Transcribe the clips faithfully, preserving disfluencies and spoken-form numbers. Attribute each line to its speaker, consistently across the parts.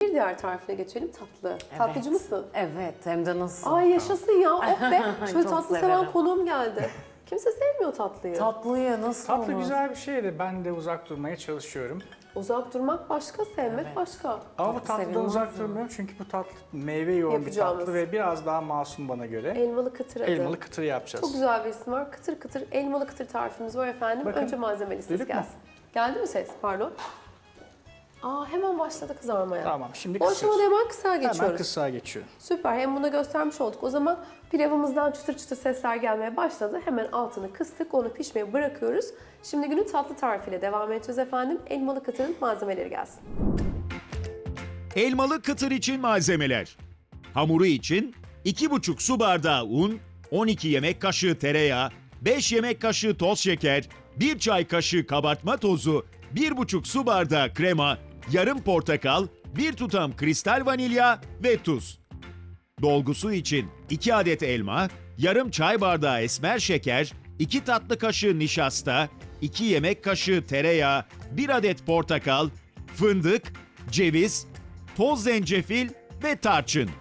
Speaker 1: bir diğer tarifine geçelim, tatlı. Tatlıcı mısın?
Speaker 2: Evet, hem de nasıl?
Speaker 1: Ay yaşasın ya, oh be. Şöyle
Speaker 2: Çok
Speaker 1: tatlı
Speaker 2: severim.
Speaker 1: seven konuğum geldi. Kimse sevmiyor tatlıyı.
Speaker 2: Tatlıyı nasıl
Speaker 3: Tatlı
Speaker 2: olur?
Speaker 3: güzel bir şey de ben de uzak durmaya çalışıyorum.
Speaker 1: Uzak durmak başka, sevmek
Speaker 2: Evet.
Speaker 1: başka.
Speaker 3: Ama bu tatlıdan
Speaker 2: sevilmez
Speaker 3: uzak
Speaker 2: mi?
Speaker 3: durmuyorum çünkü bu tatlı meyve yoğun bir
Speaker 1: Yapacağımız.
Speaker 3: tatlı ve biraz daha masum bana göre.
Speaker 1: Elmalı kıtır adı.
Speaker 3: Elmalı kıtır yapacağız.
Speaker 1: Çok güzel bir isim var. Kıtır kıtır elmalı kıtır tarifimiz var efendim.
Speaker 3: Bakın,
Speaker 1: Önce malzeme listesi
Speaker 3: duyduk mu?
Speaker 1: gelsin. Geldi mi ses? Pardon. Aa hemen başladı kızarmaya.
Speaker 3: Tamam, şimdi
Speaker 1: O aşamada
Speaker 3: kısıyoruz.
Speaker 1: hemen kısa geçiyoruz.
Speaker 3: Hemen kısa geçiyorum.
Speaker 1: Süper. Hem bunu göstermiş olduk. O zaman pilavımızdan çıtır çıtır sesler gelmeye başladı. Hemen altını kıstık. Onu pişmeye bırakıyoruz. Şimdi günün tatlı tarifiyle devam edeceğiz efendim. Elmalı kıtırın malzemeleri gelsin.
Speaker 4: Elmalı kıtır için malzemeler. Hamuru için iki buçuk su bardağı un, on iki yemek kaşığı tereyağı, beş yemek kaşığı toz şeker, bir çay kaşığı kabartma tozu, bir buçuk su bardağı krema, yarım portakal, bir tutam kristal vanilya ve tuz. Dolgusu için iki adet elma, yarım çay bardağı esmer şeker, iki tatlı kaşığı nişasta, iki yemek kaşığı tereyağı, bir adet portakal, fındık, ceviz, toz zencefil ve tarçın.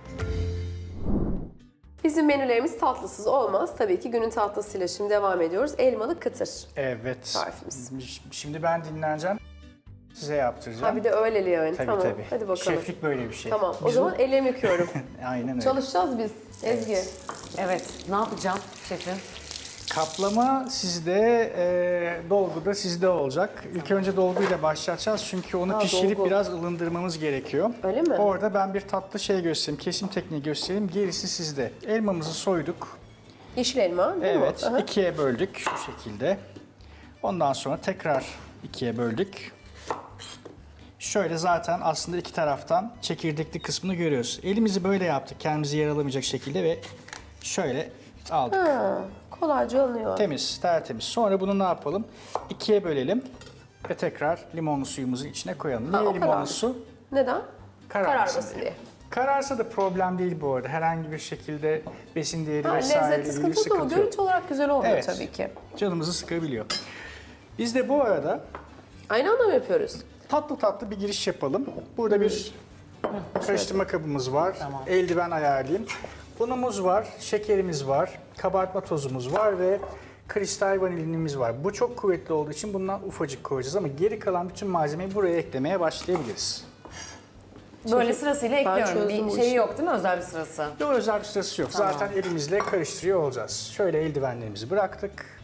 Speaker 1: Bizim menülerimiz tatlısız olmaz. Tabii ki günün tatlısıyla şimdi devam ediyoruz. Elmalı kıtır.
Speaker 3: Evet.
Speaker 1: Tarifimiz.
Speaker 3: Şimdi ben dinleneceğim. Size yaptıracağım.
Speaker 1: Ha bir de öyleli yani.
Speaker 3: Tabii
Speaker 1: tamam.
Speaker 3: tabii.
Speaker 1: Hadi bakalım.
Speaker 3: Şeflik böyle bir şey.
Speaker 1: Tamam. O
Speaker 3: Biz
Speaker 1: zaman ellerimi yıkıyorum.
Speaker 3: bu- Aynen öyle.
Speaker 1: Çalışacağız biz. Ezgi.
Speaker 2: Evet, ne yapacağım şefim?
Speaker 3: Kaplama sizde, e, dolgu da sizde olacak. İlk önce dolguyla başlatacağız çünkü onu
Speaker 1: Ha,
Speaker 3: pişirip
Speaker 1: dolgu.
Speaker 3: biraz ılındırmamız gerekiyor.
Speaker 1: Öyle mi?
Speaker 3: Orada ben bir tatlı şey göstereyim, kesim tekniği göstereyim. Gerisi sizde. Elmamızı soyduk.
Speaker 1: Yeşil elma değil
Speaker 3: Evet,
Speaker 1: mi? Aha.
Speaker 3: ikiye böldük şu şekilde. Ondan sonra tekrar ikiye böldük. Şöyle zaten aslında iki taraftan çekirdekli kısmını görüyoruz. Elimizi böyle yaptık, kendimizi yaralamayacak şekilde ve şöyle aldık.
Speaker 1: Ha, kolayca alınıyor.
Speaker 3: Temiz, tertemiz. Sonra bunu ne yapalım? İkiye bölelim ve tekrar limonlu suyumuzu içine koyalım.
Speaker 1: Ha,
Speaker 3: Niye
Speaker 1: o kadar.
Speaker 3: limonlu su?
Speaker 1: Neden?
Speaker 3: Kararmasın
Speaker 1: Kararmasın
Speaker 3: diye.
Speaker 1: diye.
Speaker 3: Kararsa da problem değil bu arada. Herhangi bir şekilde besin değeri
Speaker 1: Ha,
Speaker 3: vesaire
Speaker 1: lezzeti
Speaker 3: ile ilgili
Speaker 1: sıkıntı yok ama
Speaker 3: sıkıntı yok.
Speaker 1: görüntü olarak güzel olmuyor
Speaker 3: Evet.
Speaker 1: tabii ki.
Speaker 3: Canımızı sıkabiliyor. Biz de bu arada
Speaker 1: Aynı anda mı yapıyoruz?
Speaker 3: tatlı tatlı bir giriş yapalım. Burada bir karıştırma kabımız var. Eldiven ayarlayayım. Unumuz var, şekerimiz var, kabartma tozumuz var ve kristal vanilinimiz var. Bu çok kuvvetli olduğu için bundan ufacık koyacağız ama geri kalan bütün malzemeyi buraya eklemeye başlayabiliriz.
Speaker 2: Böyle sırasıyla
Speaker 1: ben
Speaker 2: ekliyorum.
Speaker 1: çözdüm bu
Speaker 2: Bir şeyi
Speaker 1: işi.
Speaker 2: yok değil mi? Özel bir sırası.
Speaker 3: Yok, özel bir sırası yok.
Speaker 2: Tamam.
Speaker 3: Zaten elimizle karıştırıyor olacağız. Şöyle eldivenlerimizi bıraktık.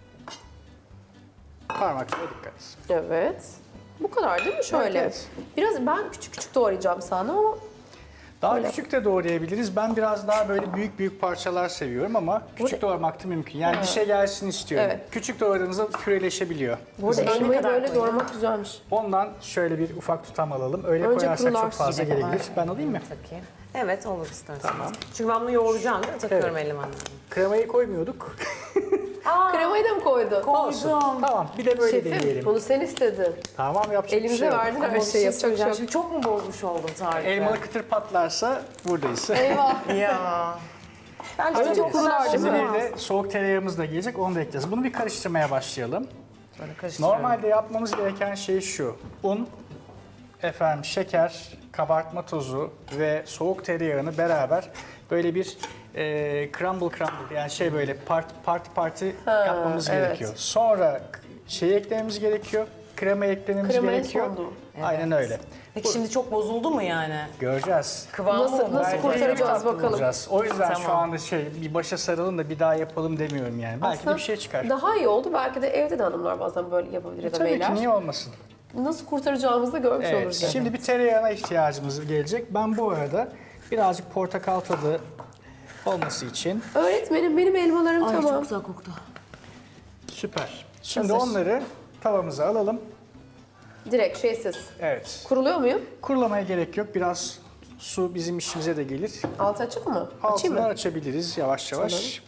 Speaker 3: Parmaklara dikkat.
Speaker 1: Evet. Bu kadar değil mi şöyle?
Speaker 3: Evet,
Speaker 1: Biraz ben küçük küçük doğrayacağım sandım ama
Speaker 3: Daha
Speaker 1: Öyle.
Speaker 3: küçük de doğrayabiliriz. Ben biraz daha böyle büyük büyük parçalar seviyorum ama küçük doğramak da mümkün. Yani dişe gelsin istiyorum.
Speaker 1: Evet.
Speaker 3: Küçük doğradığınızda püreleşebiliyor.
Speaker 1: burada
Speaker 2: Hızlı.
Speaker 1: elmayı
Speaker 2: kadar
Speaker 1: böyle
Speaker 2: koyayım?
Speaker 1: doğramak güzelmiş.
Speaker 3: Ondan şöyle bir ufak tutam alalım. Öyle
Speaker 1: Önce
Speaker 3: koyarsak
Speaker 1: kurular.
Speaker 3: çok fazla
Speaker 2: Yine
Speaker 3: gelebilir.
Speaker 2: var.
Speaker 3: Ben alayım mı?
Speaker 2: Tabii. Evet, olur istersen. Çünkü ben bunu yoğuracağım değil mi? Takıyorum
Speaker 3: Evet.
Speaker 2: eldivenlerimi.
Speaker 3: Kremayı koymuyorduk.
Speaker 1: Kremayı da mı koydun?
Speaker 3: Olsun. Tamam, bir de böyle
Speaker 1: Şefim
Speaker 3: deneyelim.
Speaker 1: bunu sen istedin.
Speaker 3: Tamam, yapacak bir
Speaker 1: Elimize
Speaker 3: şey yok.
Speaker 1: verdin her
Speaker 2: Ama bir
Speaker 1: şeyi
Speaker 2: şey
Speaker 1: yapacak bir şey
Speaker 2: söyleyeceğim.
Speaker 1: yok.
Speaker 2: Şimdi çok mu bozmuş oldum tarifi?
Speaker 3: Elmalı kıtır patlarsa buradayız.
Speaker 1: Eyvah.
Speaker 2: Ya. Bence
Speaker 1: Önce
Speaker 2: çok
Speaker 1: kurular
Speaker 2: güzel
Speaker 1: değil
Speaker 3: Şimdi
Speaker 1: mi?
Speaker 2: olmaz.
Speaker 3: bir de soğuk tereyağımız da gelecek, onu da ekleyeceğiz. Bunu bir karıştırmaya başlayalım.
Speaker 2: Böyle karıştırıyorum.
Speaker 3: Normalde yapmamız gereken şey şu. Un, efendim şeker, kabartma tozu ve soğuk tereyağını beraber böyle bir e, crumble crumble yani şey böyle parti parti parti yapmamız
Speaker 1: evet.
Speaker 3: gerekiyor. Sonra şey eklememiz gerekiyor. Krema eklememiz
Speaker 1: Krema en
Speaker 3: gerekiyor.
Speaker 1: sonda.
Speaker 3: Aynen öyle.
Speaker 2: Peki şimdi çok bozuldu mu yani?
Speaker 3: Göreceğiz.
Speaker 2: Kıvamı
Speaker 1: Nasıl-
Speaker 2: mı?
Speaker 1: nasıl
Speaker 3: Belki
Speaker 1: kurtaracağız
Speaker 3: tatlı
Speaker 1: bakalım.
Speaker 3: bulacağız. O yüzden şu
Speaker 2: Tamam.
Speaker 3: anda şey bir başa saralım da bir daha yapalım demiyorum yani. Belki de bir şey çıkar.
Speaker 1: Daha iyi oldu. Belki de evde de hanımlar bazen böyle yapabilir ya da
Speaker 3: Tabii
Speaker 1: beyler.
Speaker 3: ki, niye olmasın?
Speaker 1: Nasıl kurtaracağımızı da görmüş
Speaker 3: Evet,
Speaker 1: oluruz. yani.
Speaker 3: şimdi bir tereyağına ihtiyacımız gelecek. Ben bu arada birazcık portakal tadı olması için
Speaker 1: Öğretmenim benim elmalarım
Speaker 2: Ay
Speaker 1: tamam.
Speaker 2: çok güzel koktu.
Speaker 3: süper. Şimdi
Speaker 1: Hazır.
Speaker 3: onları tavamıza alalım.
Speaker 1: Direkt şeysiz.
Speaker 3: Evet.
Speaker 1: Kuruluyor muyum?
Speaker 3: Kurulamaya gerek yok. Biraz su bizim işimize de gelir.
Speaker 1: Altı açık mı? Açayım
Speaker 3: Altını
Speaker 1: mı?
Speaker 3: açabiliriz yavaş yavaş.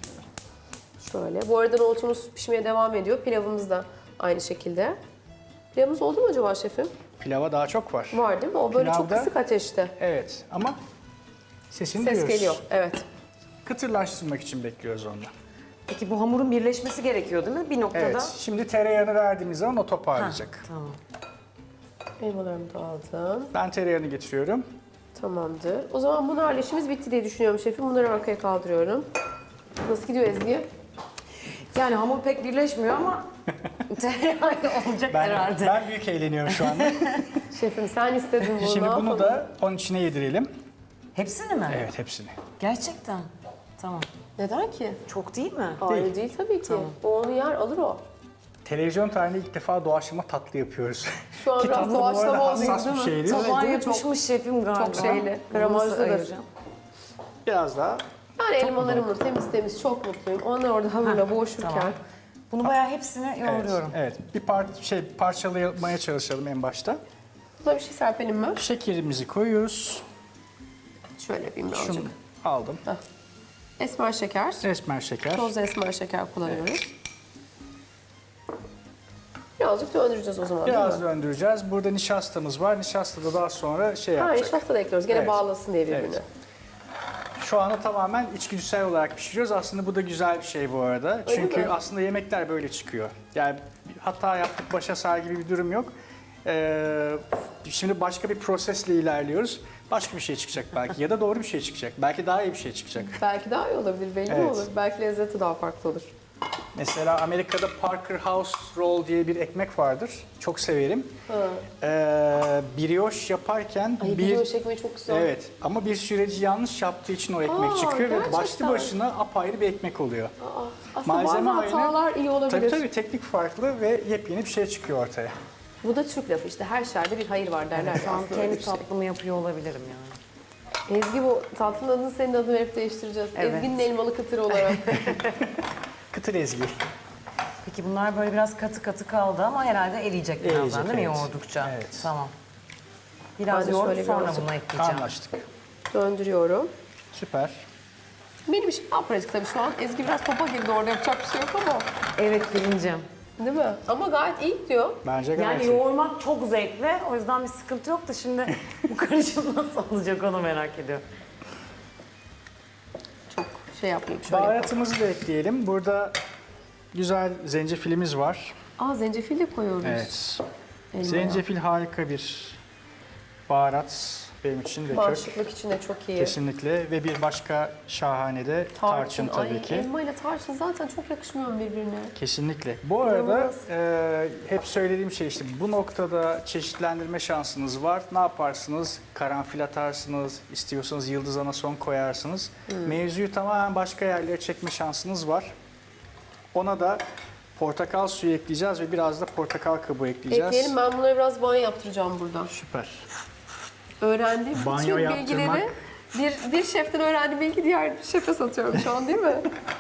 Speaker 1: Şöyle. Bu arada nohutumuz pişmeye devam ediyor. Pilavımız da aynı şekilde. Pilavımız oldu mu acaba şefim?
Speaker 3: Pilava daha çok var.
Speaker 1: Var değil mi? O böyle çok
Speaker 3: Pilavda-
Speaker 1: kısık ateşte.
Speaker 3: Evet ama sesini
Speaker 1: Ses
Speaker 3: duyuyoruz.
Speaker 1: geliyor. Evet.
Speaker 3: Kıtırlaştırmak için bekliyoruz onu.
Speaker 2: Peki bu hamurun birleşmesi gerekiyor değil mi? Bir noktada.
Speaker 3: Evet. Şimdi tereyağını verdiğimiz zaman o toparlayacak.
Speaker 2: Tamam.
Speaker 1: Elmalarımı da aldım.
Speaker 3: Ben tereyağını getiriyorum.
Speaker 1: Tamamdır. O zaman bunlarla işimiz bitti diye düşünüyorum şefim. Bunları arkaya kaldırıyorum. Nasıl gidiyor Ezgi?
Speaker 2: Yani hamur pek birleşmiyor ama tereyağıyla olacak
Speaker 3: Ben,
Speaker 2: herhalde.
Speaker 3: ben büyük eğleniyorum şu anda.
Speaker 1: Şefim sen istedin bunu.
Speaker 3: Şimdi
Speaker 1: ne
Speaker 3: bunu
Speaker 1: yapalım?
Speaker 3: da onun içine yedirelim.
Speaker 2: Hepsini mi?
Speaker 3: Evet, hepsini.
Speaker 2: Gerçekten. Tamam.
Speaker 1: Neden ki?
Speaker 2: Çok değil mi?
Speaker 1: Hayır değil tabii ki. O onu yer alır o.
Speaker 3: Televizyon tarihinde ilk defa doğaçlama tatlı yapıyoruz.
Speaker 1: Şu an
Speaker 3: Ki
Speaker 1: biraz
Speaker 3: tatlı bu arada
Speaker 1: doğaçlama oldu
Speaker 3: hassas
Speaker 1: değil
Speaker 3: bir
Speaker 1: mi?
Speaker 3: şeydir.
Speaker 1: Tabii.
Speaker 2: Tabağa
Speaker 1: değil mi?
Speaker 2: yapışmış şefim galiba.
Speaker 1: çok şeyli,
Speaker 2: Bunu nasıl
Speaker 1: gramajlıdır.
Speaker 2: ayıracağım?
Speaker 3: Biraz daha.
Speaker 1: Yani elmalarımla temiz temiz çok mutluyum. Onlar orada hamurla boğuşurken.
Speaker 2: Tamam. Bunu bayağı hepsini
Speaker 3: Evet,
Speaker 2: yoğuruyorum.
Speaker 3: evet. Bir par şey parçalamaya çalışalım en başta.
Speaker 1: Buna bir şey serpelim mi?
Speaker 3: Şekerimizi koyuyoruz.
Speaker 1: Şöyle yapayım birazcık.
Speaker 3: Şunu aldım.
Speaker 1: Esmer şeker.
Speaker 3: Esmer şeker.
Speaker 1: Toz esmer şeker kullanıyoruz. Birazcık döndüreceğiz o zaman
Speaker 3: Biraz
Speaker 1: değil mi?
Speaker 3: döndüreceğiz. Burada nişastamız var. Nişasta da daha sonra şey
Speaker 1: Ha,
Speaker 3: yapacak.
Speaker 1: nişasta da ekliyoruz. Gene
Speaker 3: Evet.
Speaker 1: bağlasın diye birbirini.
Speaker 3: Evet. Şu anda tamamen içgüdüsel olarak pişiriyoruz. Aslında bu da güzel bir şey bu arada.
Speaker 1: Öyle
Speaker 3: Çünkü
Speaker 1: mi?
Speaker 3: aslında yemekler böyle çıkıyor. Yani hata yaptık, başa sar gibi bir durum yok. Ee, şimdi başka bir prosesle ilerliyoruz. Başka bir şey çıkacak belki ya da doğru bir şey çıkacak. Belki daha iyi bir şey çıkacak.
Speaker 1: Belki daha iyi olabilir, belli mi
Speaker 3: Evet.
Speaker 1: olur? Belki lezzeti daha farklı olur.
Speaker 3: Mesela Amerika'da Parker House Roll diye bir ekmek vardır. Çok severim. Ee, brioche yaparken
Speaker 1: Ay
Speaker 3: bir
Speaker 1: bir ekmeği çok güzel.
Speaker 3: evet ama bir süreci yanlış yaptığı için o ekmek
Speaker 1: Aa,
Speaker 3: çıkıyor ve başlı
Speaker 1: gerçekten.
Speaker 3: başına apayrı bir ekmek oluyor.
Speaker 1: Aa, aslında
Speaker 3: Malzeme
Speaker 1: bazı
Speaker 3: aynı.
Speaker 1: hatalar iyi olabilir.
Speaker 3: Tabii tabii teknik farklı ve yepyeni bir şey çıkıyor ortaya.
Speaker 1: Bu da Türk lafı işte her şerde bir hayır var derler.
Speaker 2: Şu an
Speaker 1: Aslında öyle
Speaker 2: kendi
Speaker 1: bir şey.
Speaker 2: tatlımı yapıyor olabilirim yani.
Speaker 1: Ezgi bu tatlının adını senin adını verip değiştireceğiz.
Speaker 2: Evet.
Speaker 1: Ezgi'nin elmalı kıtırı olarak.
Speaker 3: Kıtır ezgi.
Speaker 2: Peki bunlar böyle biraz katı katı kaldı ama herhalde eriyecek birazdan
Speaker 3: Eriyecek,
Speaker 2: değil mi
Speaker 3: evet.
Speaker 2: yoğurdukça?
Speaker 3: Evet.
Speaker 2: Tamam.
Speaker 1: Ben
Speaker 2: Biraz
Speaker 1: de
Speaker 2: yoğurup
Speaker 1: şöyle
Speaker 2: sonra
Speaker 1: birazcık
Speaker 2: bunu ekleyeceğim.
Speaker 3: Anlaştık.
Speaker 1: Döndürüyorum.
Speaker 3: Süper.
Speaker 1: Benim işim daha pratik tabii şu an. Ezgi biraz topa girdi orada yapacak bir şey yok ama.
Speaker 2: Evet bilincim.
Speaker 1: Değil mi? Ama gayet iyi diyor.
Speaker 3: Bence gayet
Speaker 2: Yani
Speaker 3: iyi.
Speaker 2: yoğurmak çok zevkli. O yüzden bir sıkıntı yok da şimdi bu karışım nasıl olacak onu merak ediyorum.
Speaker 1: Çok şey yapmayayım şöyle. yapayım.
Speaker 3: Baharatımızı da ekleyelim. Burada güzel zencefilimiz var.
Speaker 1: Aa zencefil de koyuyoruz.
Speaker 3: Evet.
Speaker 1: Elmaya.
Speaker 3: Zencefil harika bir baharat benim için de kök.
Speaker 1: Bağışıklık için de çok iyi.
Speaker 3: Kesinlikle ve bir başka şahane de tarçın, tabii
Speaker 1: Ay,
Speaker 3: ki.
Speaker 1: elma ile tarçın zaten çok yakışmıyor birbirine.
Speaker 3: Kesinlikle. Bu arada
Speaker 1: İnanılmaz.
Speaker 3: e, hep söylediğim şey işte bu noktada çeşitlendirme şansınız var. Ne yaparsınız? Karanfil atarsınız, istiyorsanız yıldız anason koyarsınız.
Speaker 1: Hmm.
Speaker 3: Mevzuyu tamamen başka yerlere çekme şansınız var. Ona da portakal suyu ekleyeceğiz ve biraz da portakal kabuğu ekleyeceğiz.
Speaker 1: Ekleyelim, ben bunlara biraz banyo yaptıracağım burada.
Speaker 3: Süper.
Speaker 1: Öğrendiğim
Speaker 3: Banyo
Speaker 1: bütün
Speaker 3: yaptırmak.
Speaker 1: bilgileri bir, bir şeften öğrendiğim bilgi diğer bir şefe satıyorum şu an değil mi?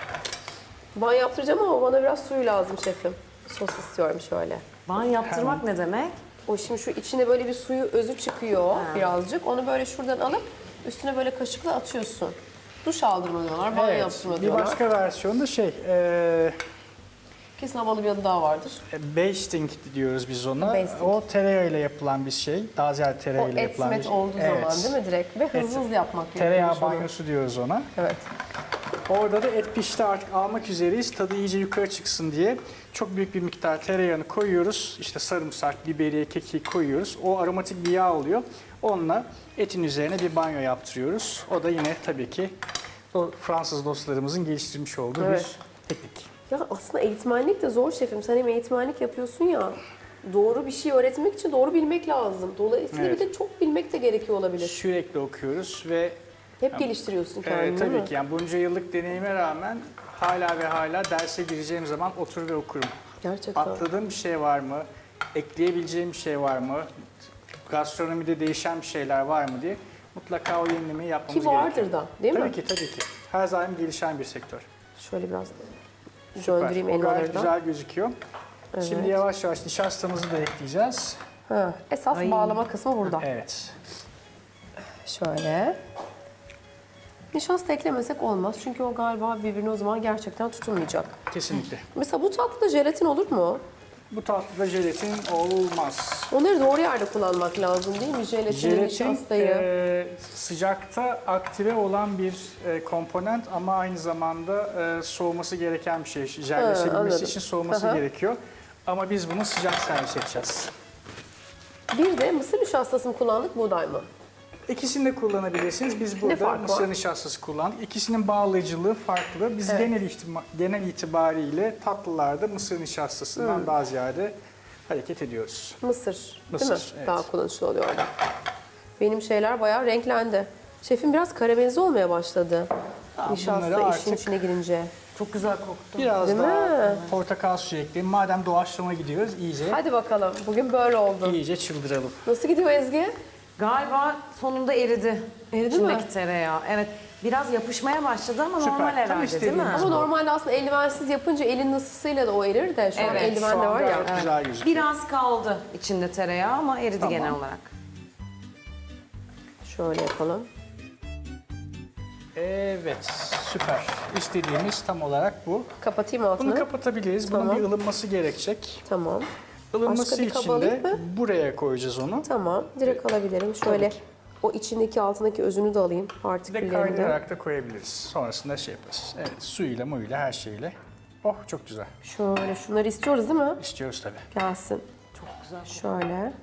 Speaker 1: Banyo yaptıracağım ama bana biraz suyu lazım şefim. Sos istiyorum şöyle.
Speaker 2: Ban yaptırmak ne demek?
Speaker 1: O şimdi şu içine böyle bir suyu özü çıkıyor birazcık. Onu böyle şuradan alıp üstüne böyle kaşıkla atıyorsun. Duş aldırma diyorlar, banyo
Speaker 3: Evet,
Speaker 1: yaptırma
Speaker 3: bir
Speaker 1: diyorlar.
Speaker 3: başka versiyonu da şey, e,
Speaker 1: Kesin havalı bir adı daha vardır.
Speaker 3: basting diyoruz biz ona.
Speaker 1: Basting.
Speaker 3: O tereyağıyla yapılan bir şey. Daha ziyade
Speaker 1: O
Speaker 3: tereyağıyla
Speaker 1: et
Speaker 3: yapılan bir
Speaker 1: met
Speaker 3: şey.
Speaker 1: olduğu
Speaker 3: Evet.
Speaker 1: zaman değil mi direkt? Ve hızlı hızlı yapmak gerekiyor.
Speaker 3: Tereyağı
Speaker 1: şunu.
Speaker 3: banyosu diyoruz ona.
Speaker 1: Evet.
Speaker 3: Orada da et pişti artık almak üzereyiz. Tadı iyice yukarı çıksın diye çok büyük bir miktar tereyağını koyuyoruz. İşte sarımsak, biberiye, kekik koyuyoruz. O aromatik bir yağ oluyor. Onunla etin üzerine bir banyo yaptırıyoruz. O da yine tabii ki o Fransız dostlarımızın geliştirmiş olduğu
Speaker 1: Evet.
Speaker 3: bir teknik.
Speaker 1: Ya aslında eğitmenlik de zor şefim. Sen hem eğitmenlik yapıyorsun ya. Doğru bir şey öğretmek için doğru bilmek lazım. Dolayısıyla
Speaker 3: Evet.
Speaker 1: bir de çok bilmek de gerekiyor olabilir.
Speaker 3: Sürekli okuyoruz ve
Speaker 1: Hep geliştiriyorsun kendini
Speaker 3: evet,
Speaker 1: değil
Speaker 3: tabii
Speaker 1: mi?
Speaker 3: ki yani bunca yıllık deneyime rağmen hala ve hala derse gireceğim zaman otur ve okurum.
Speaker 1: Gerçekten.
Speaker 3: Atladığım bir şey var mı? Ekleyebileceğim bir şey var mı? Gastronomide değişen bir şeyler var mı diye mutlaka o yenilemeyi yapmamız
Speaker 1: Ki vardır
Speaker 3: gerekiyor.
Speaker 1: da değil
Speaker 3: Tabii
Speaker 1: mi?
Speaker 3: ki tabii ki. Her zaman gelişen bir sektör.
Speaker 1: Şöyle biraz
Speaker 3: Süper.
Speaker 1: döndüreyim
Speaker 3: O gayet
Speaker 1: elmaları da.
Speaker 3: güzel gözüküyor.
Speaker 1: Evet.
Speaker 3: Şimdi yavaş yavaş nişastamızı da ekleyeceğiz.
Speaker 1: Ha, esas
Speaker 2: Ay.
Speaker 1: bağlama kısmı burada.
Speaker 3: Evet.
Speaker 1: Şöyle. Nişasta eklemesek olmaz. Çünkü o galiba birbirine o zaman gerçekten tutunmayacak.
Speaker 3: Kesinlikle.
Speaker 1: Mesela bu tatlıda jelatin olur mu?
Speaker 3: Bu tatlıda jelatin olmaz.
Speaker 1: Onları doğru yerde kullanmak lazım değil mi? Jelatini,
Speaker 3: Jelatin
Speaker 1: nişastayı.
Speaker 3: e, sıcakta aktive olan bir e, komponent ama aynı zamanda e, soğuması gereken bir şey. Jelleşebilmesi
Speaker 1: anladım.
Speaker 3: için soğuması
Speaker 1: Aha.
Speaker 3: gerekiyor. Ama biz bunu sıcak servis edeceğiz.
Speaker 1: Bir de mısır nişastası mı kullandık, buğday mı?
Speaker 3: İkisini de kullanabilirsiniz. Biz burada
Speaker 1: farkı
Speaker 3: mısır
Speaker 1: var?
Speaker 3: nişastası kullandık. İkisinin bağlayıcılığı farklı. Biz genel, ihtima- genel itibariyle tatlılarda mısır nişastasından daha ziyade hareket ediyoruz.
Speaker 1: Mısır,
Speaker 3: Mısır,
Speaker 1: değil mi?
Speaker 3: evet.
Speaker 1: Daha kullanışlı oluyor orada. Benim şeyler bayağı renklendi. Şefim biraz karamelize olmaya başladı.
Speaker 3: Tamam,
Speaker 1: Nişasta
Speaker 3: bunları
Speaker 1: işin
Speaker 3: artık
Speaker 1: içine girince.
Speaker 2: Çok güzel koktu.
Speaker 3: biraz
Speaker 1: Değil
Speaker 3: daha
Speaker 1: mi?
Speaker 3: portakal suyu ekleyelim. Madem doğaçlama gidiyoruz iyice
Speaker 1: Hadi bakalım. Bugün böyle oldu.
Speaker 3: iyice çıldıralım.
Speaker 1: Nasıl gidiyor Ezgi?
Speaker 2: Galiba sonunda eridi.
Speaker 1: Eridi
Speaker 2: İçindeki
Speaker 1: mi?
Speaker 2: tereyağı. Evet. Biraz yapışmaya başladı ama
Speaker 3: Süper.
Speaker 2: normal
Speaker 3: Tam
Speaker 2: herhalde değil mi?
Speaker 3: istediğimiz
Speaker 1: Ama normalde aslında eldivensiz yapınca elin ısısıyla da o erir de şu an
Speaker 2: Evet,
Speaker 1: eldiven
Speaker 3: Şu
Speaker 1: de
Speaker 3: an
Speaker 1: var ya.
Speaker 3: gayet güzel gözüküyor.
Speaker 2: Biraz kaldı içinde tereyağı ama eridi
Speaker 3: Tamam.
Speaker 2: genel olarak.
Speaker 1: Şöyle yapalım.
Speaker 3: Evet, süper. İstediğimiz tam olarak bu.
Speaker 1: Kapatayım altını.
Speaker 3: Bunu kapatabiliriz. Bunun
Speaker 1: Tamam.
Speaker 3: bir ılınması gerekecek.
Speaker 1: Tamam.
Speaker 3: Ilınması
Speaker 1: Başka bir kaba
Speaker 3: için de
Speaker 1: alayım mı?
Speaker 3: buraya koyacağız onu.
Speaker 1: Tamam. Direkt alabilirim. Şöyle
Speaker 3: Tabii ki.
Speaker 1: o içindeki altındaki özünü de alayım.
Speaker 3: Bir de
Speaker 1: Partiküllerini de.
Speaker 3: kaynayarak da koyabiliriz. Sonrasında şey yaparız. Evet, suyuyla muyla her şeyle. Oh çok güzel.
Speaker 1: Şöyle şunları istiyoruz değil mi?
Speaker 3: İstiyoruz tabii.
Speaker 1: Gelsin.
Speaker 2: Çok güzel.
Speaker 1: Şöyle.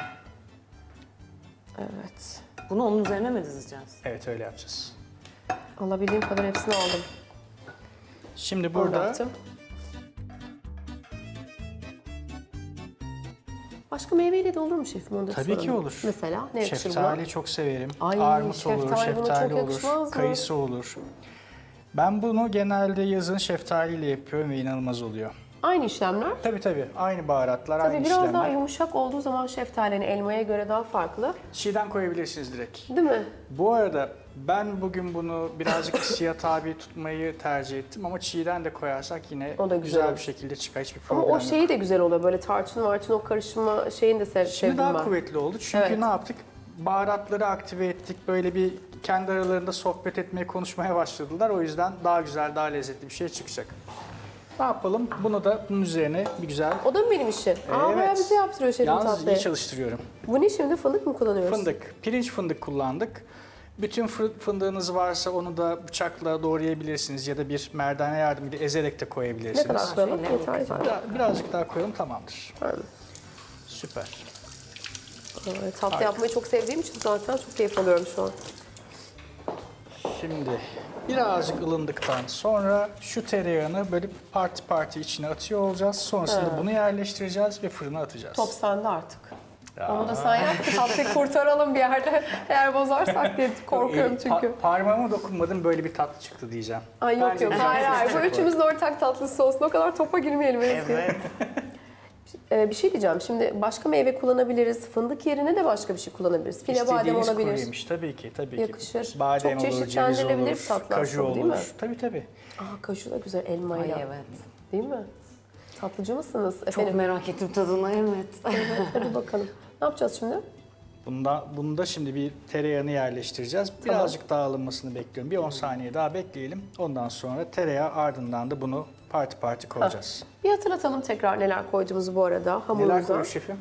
Speaker 1: Evet.
Speaker 2: Bunu onun üzerine mi dizeceğiz?
Speaker 3: Evet öyle yapacağız.
Speaker 1: Alabildiğim kadar hepsini aldım.
Speaker 3: Şimdi
Speaker 1: Burada.
Speaker 3: burada
Speaker 1: Bıraktım. Başka meyveyle de olur mu şefim? Onu da
Speaker 3: tabii ki
Speaker 1: soralım.
Speaker 3: olur.
Speaker 1: Mesela ne yakışır buna?
Speaker 3: şeftali çok severim.
Speaker 1: Ay,
Speaker 3: Armut olur,
Speaker 1: şeftali buna çok
Speaker 3: şeftali
Speaker 1: yakışmaz
Speaker 3: olur,
Speaker 1: mı?
Speaker 3: kayısı olur. Ben bunu genelde yazın şeftaliyle yapıyorum ve inanılmaz oluyor.
Speaker 1: Aynı işlemler.
Speaker 3: Tabii tabii. Aynı baharatlar,
Speaker 1: Tabii
Speaker 3: aynı
Speaker 1: biraz
Speaker 3: işlemler.
Speaker 1: daha yumuşak olduğu zaman şeftalinin elmaya göre daha farklı.
Speaker 3: Çiğden koyabilirsiniz direkt.
Speaker 1: Değil mi?
Speaker 3: Bu arada ben bugün bunu birazcık ısıya tabi tutmayı tercih ettim ama çiğden de koyarsak yine
Speaker 1: O da güzel
Speaker 3: güzel
Speaker 1: olur.
Speaker 3: bir şekilde çıkar. Hiçbir
Speaker 1: Ama
Speaker 3: problem
Speaker 1: o
Speaker 3: yok.
Speaker 1: şeyi de güzel oluyor. Böyle tarçın marçın o karışımı şeyini de sev
Speaker 3: Şimdi
Speaker 1: sevdim
Speaker 3: daha
Speaker 1: ben.
Speaker 3: kuvvetli oldu çünkü
Speaker 1: Evet.
Speaker 3: ne yaptık? Baharatları aktive ettik. Böyle bir kendi aralarında sohbet etmeye, konuşmaya başladılar. O yüzden daha güzel, daha lezzetli bir şey çıkacak. Ne yapalım? Bunu da bunun üzerine bir güzel...
Speaker 1: O da mı benim işim? Aa bayağı bize yaptırıyor şefim
Speaker 3: Yalnız
Speaker 1: tatlıyı.
Speaker 3: iyi çalıştırıyorum.
Speaker 1: Bu ne şimdi? Fındık mı kullanıyoruz?
Speaker 3: Fındık, pirinç fındık kullandık. Bütün fı- fındığınız varsa onu da bıçakla doğrayabilirsiniz ya da bir merdane yardımıyla ezerek de
Speaker 1: Ne
Speaker 3: koyabilirsiniz.
Speaker 1: kadar koyalım? Yeter yeter.
Speaker 3: Biraz- Birazcık daha koyalım tamamdır.
Speaker 1: Tamam.
Speaker 3: Süper.
Speaker 1: Ee, Tatlı yapmayı çok sevdiğim için zaten çok keyif alıyorum şu an.
Speaker 3: Şimdi birazcık ılındıktan sonra şu tereyağını böyle parti parti içine atıyor olacağız. Sonrasında bunu yerleştireceğiz ve fırına atacağız.
Speaker 1: Top sende artık. Onu da sen yap ki tatlıyı kurtaralım bir yerde. Eğer bozarsak diye korkuyorum
Speaker 3: El-
Speaker 1: çünkü.
Speaker 3: pa- parmağıma dokunmadım böyle bir tatlı çıktı diyeceğim.
Speaker 1: Ay yok
Speaker 3: Bence
Speaker 1: yok.
Speaker 3: güzel
Speaker 1: Hayır
Speaker 3: bir
Speaker 1: hayır.
Speaker 3: şey
Speaker 1: Bu
Speaker 3: çıkacak
Speaker 1: üçümüzün ortak tatlısı olsun. O kadar topa girmeyelim Ezgi.
Speaker 2: Evet.
Speaker 1: Ee, bir şey diyeceğim. Şimdi başka meyve kullanabiliriz. Fındık yerine de başka bir şey kullanabiliriz. File badem
Speaker 3: İstediğiniz kuru
Speaker 1: olabilir.
Speaker 3: yemiş tabii ki tabii ki.
Speaker 1: Yakışır.
Speaker 3: Badem
Speaker 1: Çok
Speaker 3: olur, ceviz
Speaker 1: çeşitlendirilebilir
Speaker 3: olur,
Speaker 1: tatlı
Speaker 3: kaju
Speaker 1: aslında,
Speaker 3: olur.
Speaker 1: değil mi?
Speaker 3: Tabii tabii.
Speaker 1: Aa kaşu da güzel
Speaker 2: Ay
Speaker 1: elmayla.
Speaker 2: evet.
Speaker 1: Değil mi? Tatlıcı mısınız
Speaker 2: Çok
Speaker 1: efendim?
Speaker 2: merak ettim tadını evet.
Speaker 1: Hadi bakalım. Ne yapacağız şimdi?
Speaker 3: Bunda, bunda şimdi bir tereyağını yerleştireceğiz. Birazcık daha alınmasını bekliyorum. Bir on saniye daha bekleyelim. Ondan sonra tereyağı ardından da bunu parti parti koyacağız.
Speaker 1: Bir hatırlatalım tekrar neler koyduğumuzu bu arada
Speaker 3: Neler
Speaker 1: hamurumuza.
Speaker 3: koyuyor şefim?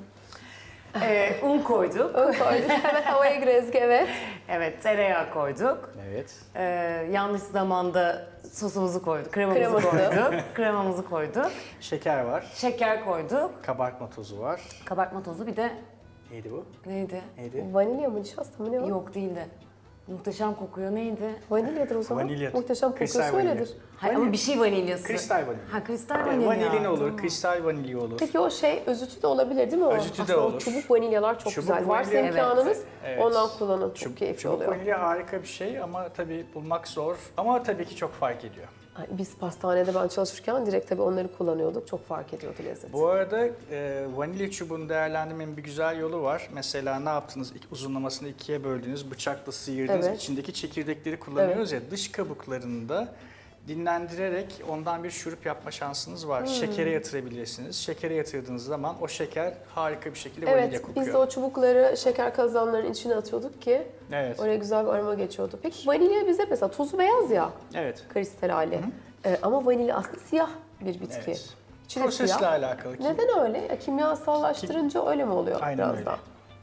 Speaker 2: Ee, un koyduk.
Speaker 1: Ön koyduk. Hemen havaya gir Ezgi, evet.
Speaker 2: Evet tereyağı koyduk.
Speaker 3: Evet.
Speaker 2: Ee, yanlış zamanda sosumuzu koyduk. Kremamızı
Speaker 1: Kreması.
Speaker 2: koyduk. Kremamızı koyduk.
Speaker 3: Şeker var.
Speaker 2: Şeker koyduk.
Speaker 3: Kabartma tozu var.
Speaker 2: Kabartma tozu bir de
Speaker 3: Neydi bu?
Speaker 2: neydi?
Speaker 3: Neydi?
Speaker 1: Vanilya mı nişasta mı ne o?
Speaker 2: Yok değildi. Muhteşem kokuyor neydi?
Speaker 1: Vanilyadır o zaman.
Speaker 3: Vanilya.
Speaker 1: Muhteşem
Speaker 3: Kristal
Speaker 1: kokusu
Speaker 3: vanilya.
Speaker 1: öyledir.
Speaker 2: Hayır ama bir şey vanilyası.
Speaker 3: Kristal vanilya.
Speaker 2: Ha kristal
Speaker 3: Yani
Speaker 2: vanilya.
Speaker 3: vanilin olur,
Speaker 2: Tamam.
Speaker 3: kristal vanilya olur.
Speaker 1: Peki o şey özütü de olabilir değil mi o?
Speaker 3: Özütü de
Speaker 1: Aslında o
Speaker 3: olur.
Speaker 1: çubuk vanilyalar çok
Speaker 3: Çubuk
Speaker 1: güzel. Varsa
Speaker 3: vanilya-
Speaker 1: imkanınız
Speaker 3: Evet.
Speaker 1: ondan kullanın. Çok
Speaker 3: Çubuk,
Speaker 1: keyifli
Speaker 3: çubuk
Speaker 1: oluyor.
Speaker 3: vanilya harika bir şey ama tabii bulmak zor. Ama tabii ki çok fark ediyor.
Speaker 1: Ay, biz pastanede ben çalışırken direkt tabii onları kullanıyorduk. Çok fark ediyordu lezzeti.
Speaker 3: Bu arada e, vanilya çubuğunu değerlendirmenin bir güzel yolu var. Mesela ne yaptınız? İlk uzunlamasını ikiye böldünüz, bıçakla sıyırdınız.
Speaker 1: Evet.
Speaker 3: İçindeki çekirdekleri kullanıyoruz ya. Dış kabuklarını da dinlendirerek ondan bir şurup yapma şansınız var.
Speaker 1: Hmm.
Speaker 3: Şekere yatırabilirsiniz. Şekere yatırdığınız zaman o şeker harika bir şekilde vanilya
Speaker 1: Evet,
Speaker 3: kokuyor.
Speaker 1: biz de o çubukları şeker kazanlarının içine atıyorduk ki
Speaker 3: Evet.
Speaker 1: oraya güzel bir aroma geçiyordu. Peki vanilya bize mesela tozu beyaz ya,
Speaker 3: Evet.
Speaker 1: kristal hali. Ee, ama vanilya aslında siyah bir bitki.
Speaker 3: Evet.
Speaker 1: İçi de
Speaker 3: Prosesle
Speaker 1: siyah.
Speaker 3: alakalı. ki-
Speaker 1: Neden öyle? Ya, kimyasallaştırınca öyle mi oluyor
Speaker 3: Aynen
Speaker 1: biraz
Speaker 3: öyle.
Speaker 1: daha?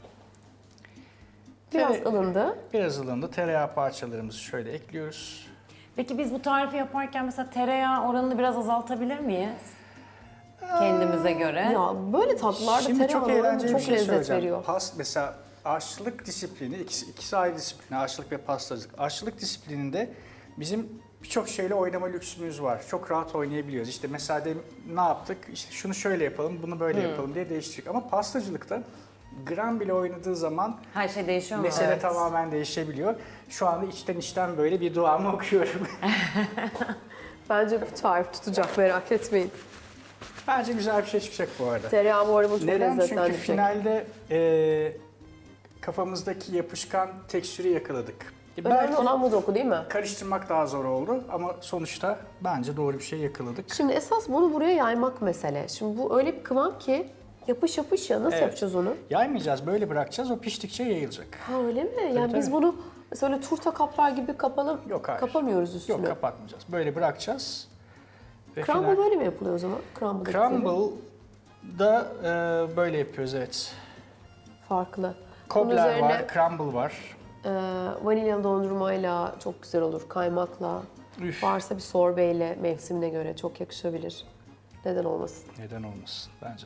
Speaker 1: Biraz
Speaker 3: Tere-
Speaker 1: ılındı.
Speaker 3: Biraz ılındı. Tereyağı parçalarımızı şöyle ekliyoruz.
Speaker 2: Peki biz bu tarifi yaparken mesela tereyağı oranını biraz azaltabilir miyiz? Kendimize göre.
Speaker 1: Ya böyle tatlılarda
Speaker 3: Şimdi çok
Speaker 1: tereyağı oranı
Speaker 3: eğlenceli
Speaker 1: çok
Speaker 3: bir şey
Speaker 1: lezzet
Speaker 3: söyleyeceğim.
Speaker 1: veriyor.
Speaker 3: Pas, mesela aşçılık disiplini, ikisi, ikisi ayrı disiplini, aşçılık ve pastacılık. Aşçılık disiplininde bizim birçok şeyle oynama lüksümüz var. Çok rahat oynayabiliyoruz. İşte mesela de, ne yaptık? İşte şunu şöyle yapalım, bunu böyle yapalım diye değiştirdik. Ama pastacılıkta gram bile oynadığı zaman
Speaker 2: Her şey değişiyor mu?
Speaker 3: mesele
Speaker 2: Evet.
Speaker 3: tamamen değişebiliyor. Şu anda içten içten böyle bir duamı okuyorum.
Speaker 1: Bence bu tarif tutacak, merak etmeyin.
Speaker 3: Bence güzel bir şey çıkacak bu arada.
Speaker 1: Tereyağı bu arada bunu çok
Speaker 3: Neden? Çünkü
Speaker 1: lezzetlendirecek.
Speaker 3: finalde e, kafamızdaki yapışkan tekstürü yakaladık. E,
Speaker 1: Önemli
Speaker 3: belki
Speaker 1: olan bu doku değil mi?
Speaker 3: karıştırmak daha zor oldu ama sonuçta bence doğru bir şey yakaladık.
Speaker 1: Şimdi esas bunu buraya yaymak mesele. Şimdi bu öyle bir kıvam ki yapış yapış ya, nasıl
Speaker 3: Evet.
Speaker 1: yapacağız onu?
Speaker 3: Yaymayacağız, böyle bırakacağız. O piştikçe yayılacak.
Speaker 1: Ha öyle mi? Yani biz
Speaker 3: tabii.
Speaker 1: bunu mesela öyle turta kaplar gibi kapalım,
Speaker 3: Yok, hayır.
Speaker 1: kapamıyoruz üstünü.
Speaker 3: Yok, kapatmayacağız. Böyle bırakacağız. Ve
Speaker 1: Crumble
Speaker 3: final-
Speaker 1: böyle mi yapılıyor o zaman? Crumble dedikleri.
Speaker 3: Crumble'da e, böyle yapıyoruz, evet.
Speaker 1: Farklı. Bunun
Speaker 3: Cobbler
Speaker 1: üzerine
Speaker 3: var, crumble var.
Speaker 1: e, vanilyalı dondurmayla çok güzel olur. Kaymakla.
Speaker 3: Üf.
Speaker 1: Varsa bir sorbeyle mevsimine göre çok yakışabilir. Neden olmasın?
Speaker 3: Neden olmasın? Bence de.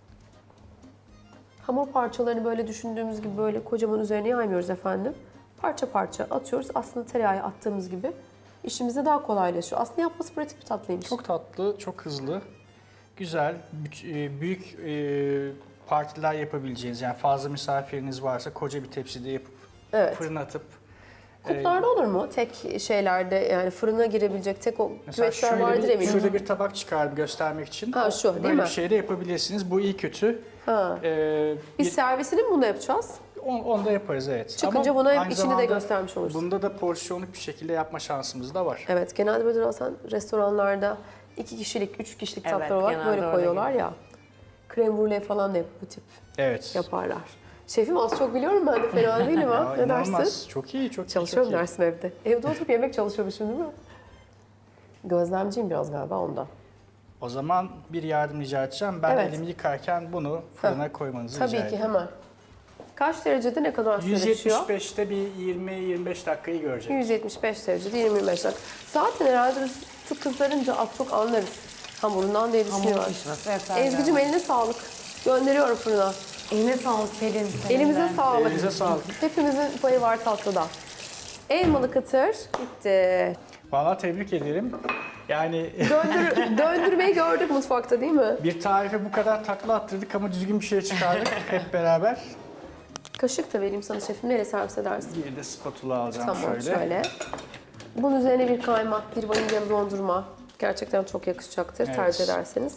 Speaker 1: Hamur parçalarını böyle düşündüğümüz gibi böyle kocaman üzerine yaymıyoruz efendim. Parça parça atıyoruz. Aslında tereyağı attığımız gibi işimize daha kolaylaşıyor. Aslında yapması pratik bir tatlıymış.
Speaker 3: Çok tatlı, çok hızlı, güzel, büt- e, büyük e, partiler yapabileceğiniz, yani fazla misafiriniz varsa koca bir tepside yapıp
Speaker 1: Evet.
Speaker 3: fırına atıp
Speaker 1: Kuplarda olur mu? Tek şeylerde yani fırına girebilecek tek o
Speaker 3: mesela
Speaker 1: küvetler
Speaker 3: şöyle
Speaker 1: vardır
Speaker 3: bir,
Speaker 1: eminim.
Speaker 3: şurada bir tabak çıkarıp göstermek için
Speaker 1: Ha, şu, değil
Speaker 3: böyle
Speaker 1: mi?
Speaker 3: bir şey de yapabilirsiniz. Bu iyi kötü.
Speaker 1: Ha.
Speaker 3: Ee,
Speaker 1: Biz
Speaker 3: bir-
Speaker 1: servisini mi bunu yapacağız?
Speaker 3: on, onu da yaparız, evet.
Speaker 1: Çıkınca
Speaker 3: Ama
Speaker 1: buna hep
Speaker 3: aynı
Speaker 1: içini de
Speaker 3: zamanda
Speaker 1: göstermiş oluruz.
Speaker 3: Bunda da porsiyonluk bir şekilde yapma şansımız da var.
Speaker 1: Evet, genelde böyle aslında restoranlarda iki kişilik, üç kişilik
Speaker 2: Evet,
Speaker 1: tatlar olarak
Speaker 2: genelde
Speaker 1: böyle
Speaker 2: öyle
Speaker 1: koyuyorlar ya. Krem brulee falan da hep bu tip
Speaker 3: Evet.
Speaker 1: yaparlar. Şefim az çok biliyorum ben de, fena değilim ha.
Speaker 3: Ya,
Speaker 1: Ne
Speaker 3: inanılmaz.
Speaker 1: dersin?
Speaker 3: Çok iyi, çok iyi.
Speaker 1: Çalışıyorum
Speaker 3: çok iyi.
Speaker 1: dersim evde. Evde oturup yemek çalışıyormuşum değil mi? Gözlemciyim biraz galiba ondan.
Speaker 3: O zaman bir yardım rica edeceğim. Ben
Speaker 1: Evet.
Speaker 3: elimi yıkarken bunu fırına koymanızı
Speaker 1: Tabii
Speaker 3: rica
Speaker 1: ki
Speaker 3: ederim.
Speaker 1: hemen. Kaç derecede ne kadar süre pişiyor?
Speaker 3: yüz yetmiş beşte bir yirmi yirmi beş dakikayı görecek.
Speaker 1: yüz yetmiş beş derecede yirmi yirmi beş dakika. Zaten herhalde üstü kızarınca az çok anlarız hamurundan diye
Speaker 2: Hamur
Speaker 1: düşünüyorum.
Speaker 2: pişmesi yeterli.
Speaker 1: Ezgi'cim eline sağlık. Gönderiyorum fırına.
Speaker 2: Eline sağlık Pelin.
Speaker 1: Elimize
Speaker 2: Elinden.
Speaker 1: sağlık.
Speaker 3: Elinize sağlık.
Speaker 1: Hepimizin payı var tatlıda. Elmalı kıtır bitti.
Speaker 3: Vallahi tebrik ederim. Yani
Speaker 1: Döndür, döndürmeyi gördük mutfakta değil mi?
Speaker 3: bir tarife bu kadar takla attırdık ama düzgün bir şey çıkardık hep beraber.
Speaker 1: Kaşık da vereyim sana şefim. Nereye servis edersin?
Speaker 3: Bir de spatula alacağım
Speaker 1: Tamam
Speaker 3: şöyle.
Speaker 1: şöyle. Bunun üzerine bir kaymak, bir vanilyalı dondurma. Gerçekten çok yakışacaktır
Speaker 3: Evet.
Speaker 1: tercih ederseniz.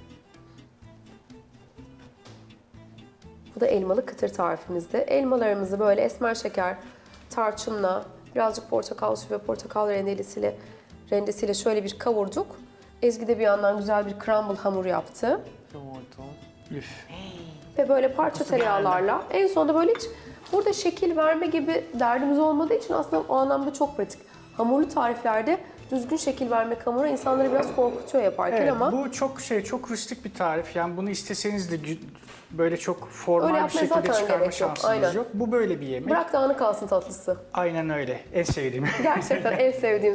Speaker 1: Bu da elmalı kıtır tarifimizde. Elmalarımızı böyle esmer şeker, tarçınla, birazcık portakal suyu ve portakal rendelisiyle, rendesiyle şöyle bir kavurduk. Ezgi de bir yandan güzel bir crumble hamur yaptı.
Speaker 2: Yoğurdum.
Speaker 3: Üf.
Speaker 1: Ve böyle parça tereyağlarla. En sonunda böyle hiç burada şekil verme gibi derdimiz olmadığı için aslında o anlamda çok pratik. Hamurlu tariflerde düzgün şekil vermek hamura insanları biraz korkutuyor yaparken
Speaker 3: Evet,
Speaker 1: ama
Speaker 3: bu çok şey, çok rustik bir tarif. Yani bunu isteseniz de gü- böyle çok
Speaker 1: Öyle
Speaker 3: formal bir
Speaker 1: yapmaya
Speaker 3: şekilde
Speaker 1: zaten
Speaker 3: çıkarma
Speaker 1: gerek yok,
Speaker 3: şansınız
Speaker 1: aynen.
Speaker 3: yok. Bu böyle bir yemek.
Speaker 1: bırak dağınık kalsın tatlısı.
Speaker 3: Aynen öyle. En sevdiğim.
Speaker 1: Gerçekten en sevdiğim